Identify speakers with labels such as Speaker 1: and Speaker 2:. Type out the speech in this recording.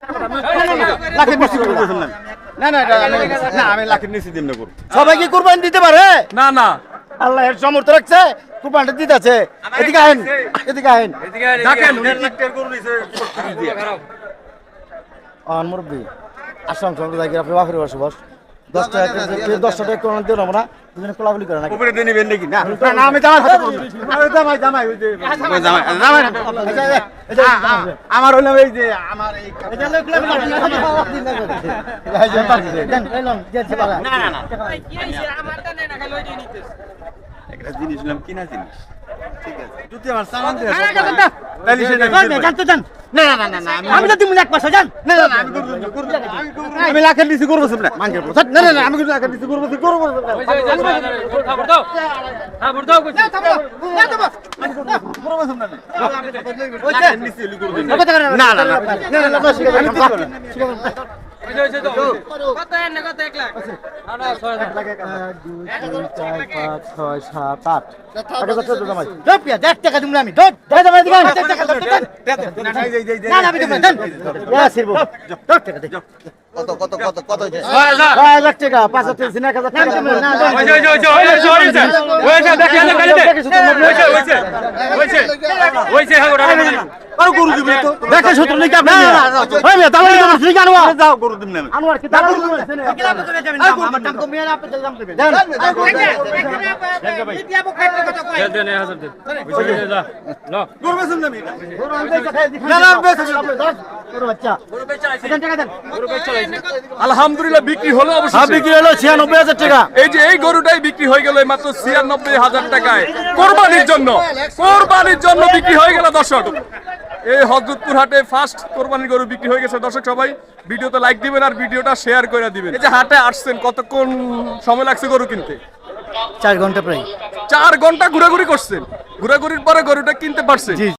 Speaker 1: লাখের বেশি করবেন না। না না না আমি লাখের নিচে দিন না করব। সবাই কি কুরবানি দিতে পারে?
Speaker 2: না না
Speaker 1: আল্লাহ এর সমর্থ রাখছে কুরবানিটা দিতেছে। এদিকে আহেন এদিকে আহেন
Speaker 2: দেখেন
Speaker 1: আর মুরব্বী আসলাম সঙ্গে যাই আপনি বাপের বাসে বস 10 টাকা কোন দিও না দুজনে কোলাগুলি করে না উপরে দিয়ে নেবেন নাকি না না আমি জামাই হাতে করব আরে জামাই ওই যে জামাই আমার হলো এই যে আমার এই এটা লোক না না না কি হইছে আমারটা নেই না খালি ওই দিয়ে নিতেছ একটা জিনিস নাম কিনা জিনিস ঠিক আছে যদি আমার সামান দেয় তাহলে সেটা জানতে জান না না না না আমি তো তুমি এক পাশে জান না না না আমি লাখের নিচে করব না মাঙ্গের না না না আমি লাখের নিচে করব খবর দাও কইছি না তো না না না কত এনে কত 1 লাখ না 6 লাখ 1 2 3 4 5 6 7 8 আগে কত জমাই দপ পিয়া 1 টাকা দিমু আমি দপ জমাই দিবা 1 টাকা না না আমি দিমু দেন ইয়া সিরবো 10 টাকা দে কত হইছে 6 লাখ টাকা 5 থেকে 1000 টাকা না ওই দেখে ওইছে আর গরু দিবে তো দেখে সত্র নাকি আপনি ওই মেয়ে দালালি তো ঠিক আনোয়া যাও গরু দিবেন না আনোয়ার কি দালালি দিবেন কিলা করে যাবেন না আমার দাম কমিয়ে আপনি দাম দিবেন দেন ইতিয়া বখাই কথা কই দেন 1000 দেন ওইছে যা ল গরু বেচুন না গরু আনতে খাই দিই না না বেচুন গরু বাচ্চা গরু বেচা আইছে টাকা দেন গরু বেচা আইছে
Speaker 2: আলহামদুলিল্লাহ বিক্রি হলো অবশ্যই
Speaker 1: হ্যাঁ বিক্রি হলো 96000 টাকা
Speaker 2: এই যে এই গরুটাই বিক্রি হয়ে গেল মাত্র 96000 টাকায় কোরবানির জন্য বিক্রি হয়ে গেল দর্শক এই হযরতপুর হাটে ফার্স্ট কোরবানির গরু বিক্রি হয়ে গেছে দর্শক সবাই ভিডিওতে লাইক দিবেন আর ভিডিওটা শেয়ার করে দিবেন এই যে হাটে আসছেন কতক্ষণ সময় লাগছে গরু কিনতে
Speaker 1: 4 ঘন্টা প্রায়
Speaker 2: 4 ঘন্টা ঘোরাঘুরি করছেন ঘোরাঘুরির পরে গরুটা কিনতে পারছেন